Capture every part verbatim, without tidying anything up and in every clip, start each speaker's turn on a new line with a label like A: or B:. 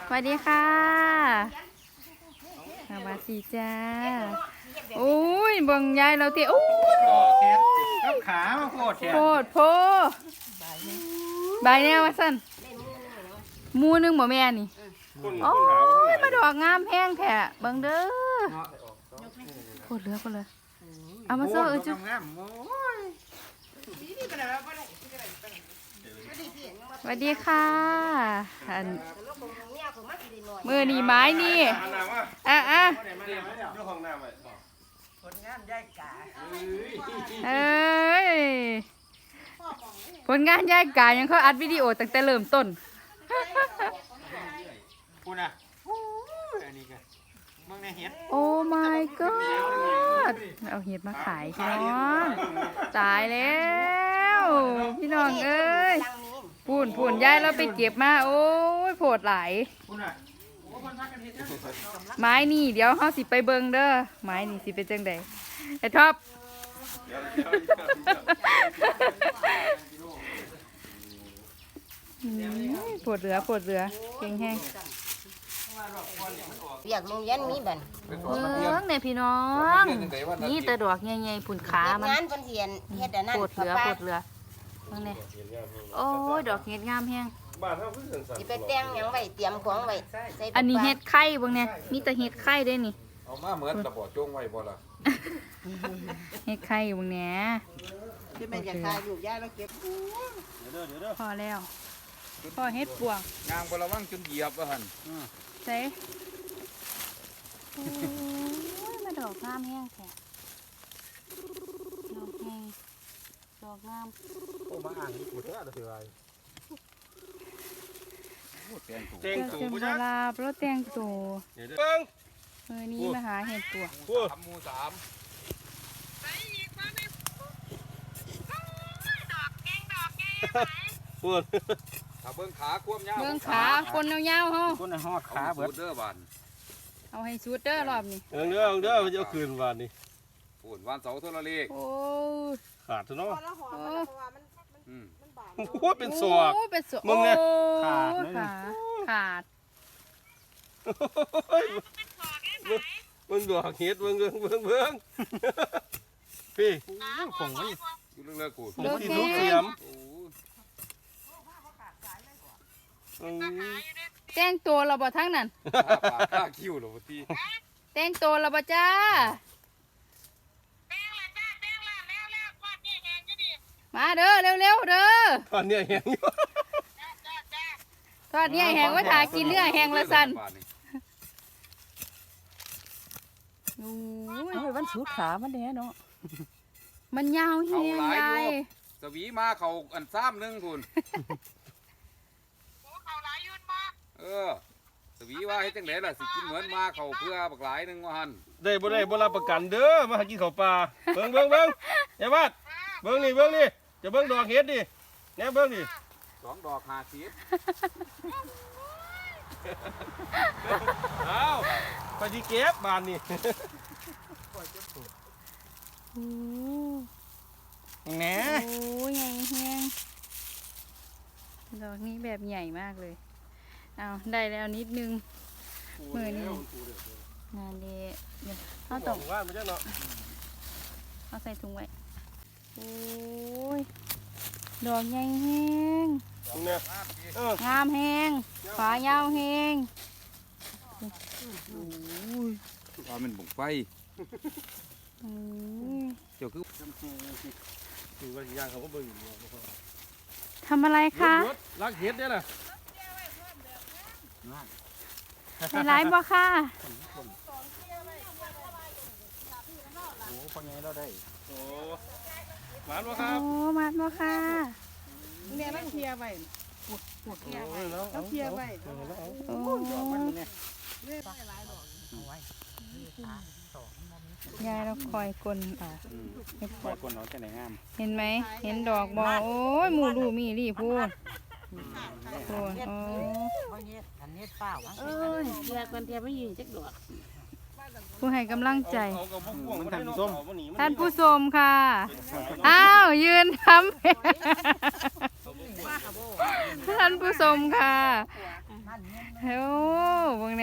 A: สวัสดีค่ะสวัสดีจ้าโอ้ยบังยายเราเตะโอ้ย
B: กับขามาโคตรแฉะ
A: โคตรโพใบแนวว่าสั้นมูนึงบ่แม่นี่โอ้ยมาดอกงามแห้งแท้เบิ่งเด้อโคตรเหลือโคตรเหลือเอามาโซ่เออจุ๊บสวัสดีค่ะอันมือนี่ไม้นี่อ่ะอ่ะผลงานย่ายกาเอ้ยผลงานย่ายกายังเขาอัดวิดีโอตั้งแต่เริ่มต้น
B: คุณอ่ะอันนี้กันมึงในเห็ด
A: โอ้ my god เอาเห็ดมาขายพี่น้องตายแล้วพี่น้องเอ้ยพูนพูนยายเราไปเก็บมาโอ้ยโผดหลายไม้นี่เดี๋ยวเขาสิไปเบิงเด้อไม้นี่สิเป็นจังใดไอ้ท็อปปวดเรือปวดเรือเก่งแห้ง
C: อยากลงยันมีบัน
A: เมืองเนี่ยพี่น้องนี่ตะดอกใหญ่ๆผุนขามัน
C: งานคนเสียนเฮ็ดอันนั้น
A: ปวดเรือปวดเรือเมืองเนี่ยโอ้ยดอกเห็ดงามแห้ง
C: สิไปแต่งหยังไว้เตรียมของไว้
A: อันนี้เห็ดไข่เบิ่งเนี่ยมีแต่เห็ดไข่ได้นี่
D: เอามาเหมือนตะบ่อจงไว้บ่ล่ะ
A: เห็ดไข่เบิ่งเนี่ย
C: คือแม่จะขายอยู่ย่าแล้วเก็บ
A: พอแล้วพอเห็ดปวง
D: ยางบ่ระวังจนเหยียบว่าหั่น
A: เซ่โอ้ยมาดอกงามแห้งแท้ดอกแห้งดอกงาม
B: โอ้มาอ่างนี่กูเท่าเท่าไร
D: แตงตู
A: แตงตูปลาเพราะแตงตู
B: เบิ้ง
A: เออนี่มาหาเห็ดปวง
D: สามหมู่สาม
B: พูด
D: ถ้าเบิ่งขาควมยาว
A: เบิ่งขาคนยาวๆเฮา
B: คนในหอดขาเบิด
D: เด้อบาน
A: เอาให้สุดเด้อรอบนี้
B: เออเด้อเด้อมันจะคืนวันนี้
D: ปูนวันเสาร์โทรเลข
A: โอ้
B: ขาดซะเนาะ
D: อืม
B: โอ้เป็นศอก
A: เป็นศอก
B: มึงเนี่ย
A: ขาดขาขาด
B: มึงดอกเห็ดมึงเบิ่งเบิ่งเบิ่งพี่คงไม่
D: อยู่เรื่องเลิกกู
B: ผมที่ทุกเสียม
A: แต่งตัวเราบ่ทั้งนั้น
D: ข้าคิ้วหรอวะที
A: แต่งตัวเราบ่จ้ามาเด้อเร็วๆเด้อ
B: ตอนนี้แห้งอยู่
A: ทอดเนี่ยแห้งว่าทากินเนื้อแห้งละสัน
C: โอ้ยวันสูดขามันแน่เนาะ
A: มันยาวแห้งใหญ่
D: สวีมาเขาอันซ้ำนึงคุณเออสวีว่าให้จังไหนล่ะสิกินเหมือนมาเขาเพื่อบักหลายนึงว่าหัน
B: ได้บ่ได้บ่รับประกันเด้อมาหากินข้าวปลาเบิ่งเบิ่งเบิ่งไอ้บ้านเบิ่งนี่เบิ่งนี่จะเบิ่งดอกเห็ดดิแหน่เบิ่งดิ
D: สองดอกห้าสิบ
B: อ้าวไปที่เก็บบานนี่แหน่
A: โอ้ยใหญ่แห้งดอกนี้แบบใหญ่มากเลยเอาได้แล้วนิดนึงมือนี่งานดีเดี๋ยวเอาตกเอาใส่ถุงไว้โอ้ยดอกใหญ่แห้งงามแห้งฝายาวแห้ง
D: ว่ามันบุกไฟเจ้าคือ
A: ทำอะไรคะ
B: ลักเห็ดเนี่ยนะ
A: ในไลฟ์บ่ค่ะ
B: โอ้คนใหญ่เราได้โอ้มาบ่ครับ
A: โอ้มาบ่ค่ะ
C: เนี่ยมันเทียไว้ปวดปวดเทียไว้แล้วเทียไว้
A: โอ้ยายเราคอยกลนอ่ะ
B: คอยกลนเนาะจะไหนงาม
A: เห็นไหมเห็นดอกบอโอ้ยหมูดูมีรีพูดพูดโอ้
C: เออเทียกันเทียไม่ยืนจักดอก
A: ผู้ให้กำลังใจท่านผู้ชมค่ะอ้าวยืนทำท่านผู้ชมค่ะโอ้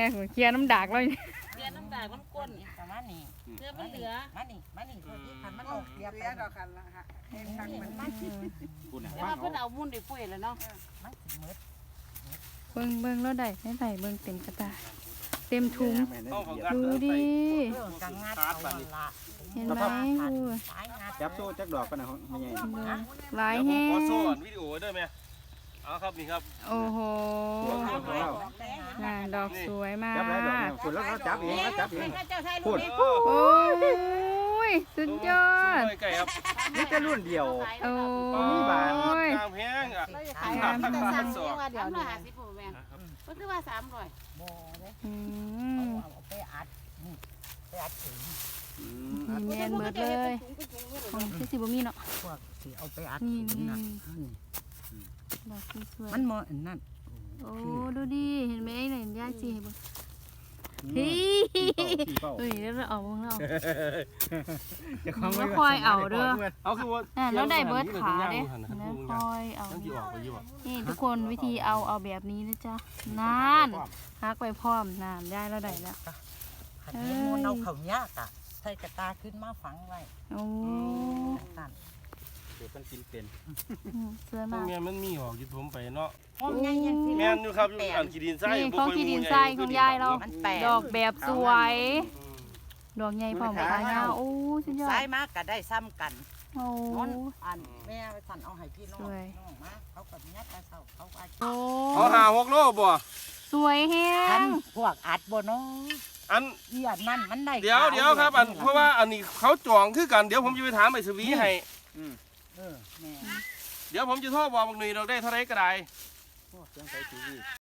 A: น่เคลียร์น้ำดากเลย
E: เรียนน้ำตาลน้ำก้น
F: ประมาณนี้
E: เพื่อมันเหลือ
F: มานี่มานี่คนที่คันมันออกเสียไป
C: เสียดอกกันละฮะเองทักมันมัน
G: คุณน่ะ
E: แต่ว่าเพิ่นเอามุ่นได้ปุ้ยแล้วเนาะ
F: มันสิมืด
A: เบิ่งเบิ่งแล้วได้ได้ได้เบิ่งเต็มกระตาเต็มถุง
B: ต้องของ
A: ดูดิ
F: เรื่องกังงัดเอาวันละ
A: เห็นไหมดู
F: สายงัด
G: จับโซ่จักดอกกันนะไม่ใหญ่
A: ดูหลาย
B: เดี๋ยวผม
A: แห้
B: ของ โซ่อันวิดีโอได้ไหมเอาครับนี่ครับ
A: โอ้โห
F: งาน
A: ดอกสวยมา
G: จับหลายดอก
A: ก
G: เนี่ยคุณแล้วจับเองแล้วจับเอง
E: เจ้าชาย
G: พู
E: ลูก
G: ด
E: นี้
A: โอ้ยสุดยอด
B: ไก่ครับ
G: นี่จะรุ่นเดียว
A: โอ้
G: มีบาน
A: ย
B: ตามแพงอ่ะ
E: ขายแต่สั่งเองว่าเดี๋ยวนี้ห้าสิบแม่นก็คือว่าสามร้อย
F: บ่เด้
A: อื
F: เอา
A: ม
F: เอาไปอัดนี่ไปอัดถึง
A: มีแมนเบิดเลยของที่สิบ่มีเนาะ
F: พวกสิเอาไปอัด
A: นี่
F: ถึง
A: นี่
F: น่ะ
A: ดอกสวย
F: มันเหมาะอันนั้น
A: โอ้ดูดิเห็นไหมไหนย่าจีเห็นบ่
G: เฮ้
A: เฮ้
G: ย
A: ยเฮ้ยแล้วเราเอาของเรา
G: จะคล้องไว้
A: คอยเอาเด้อ
B: เอาคือว่า
A: น่ะแล้วได้เบิดขาเด้
B: นะ
A: แล้วคอยเอา
B: ต้องที่ออกไปอยู่อ่ะ
A: นี่ทุกคนวิธีเอาเอาแบบนี้นะจ๊ะนานฮักไปพร้อมนานได้แล้วได้แล้ว
F: คันนี้มูนเอาเขายากอ่ะใส่กระตาขึ้นมาฝังไว้
A: โอ้
F: นั่น
G: เดี๋ยวมันกินเป็น
A: อืมสวย
B: พว
A: มาก ก
B: แม่มันมีออกอยู่ผมไปเนาะ
F: ห้องใหญ่ยังสิ
B: แม่นอยู่ครับอยู่อันขีดินทราย
A: นี่ของขีดินทรายของยายเรา
F: มันแปลก
A: ดอกแบบสวย ดอกใหญ่พร้อมขายาวโอ้สุดยอด
F: ซ้ายมากก็ได้ซ้ำกัน
A: โอ้
F: นนอันแม่ไปสั่นเอาให้พี่น้อง
A: สวย
F: น้องมาเขากับยัดไปเศร้าเขาอาจ
A: โอ้
B: เอาหาหกโลบ่
A: สวยแฮ
F: ทัน
A: ง
F: พวกอัดบ่เน้อง
B: อัน
F: เอียดนั่นมันได้
B: เดี๋ยว
F: ขาว
B: เดี๋ยวครับอันเพราะว่าอันนี้เขาจองคือกันเดี๋ยวผมจะไปถามไอ้สวีให้
F: เออแม่
B: เดี๋ยวผมจะโทรบอกบักหนุ่ยเราได้เท่าไรก็ได้
G: โอ้เครื่องใส่ทีวี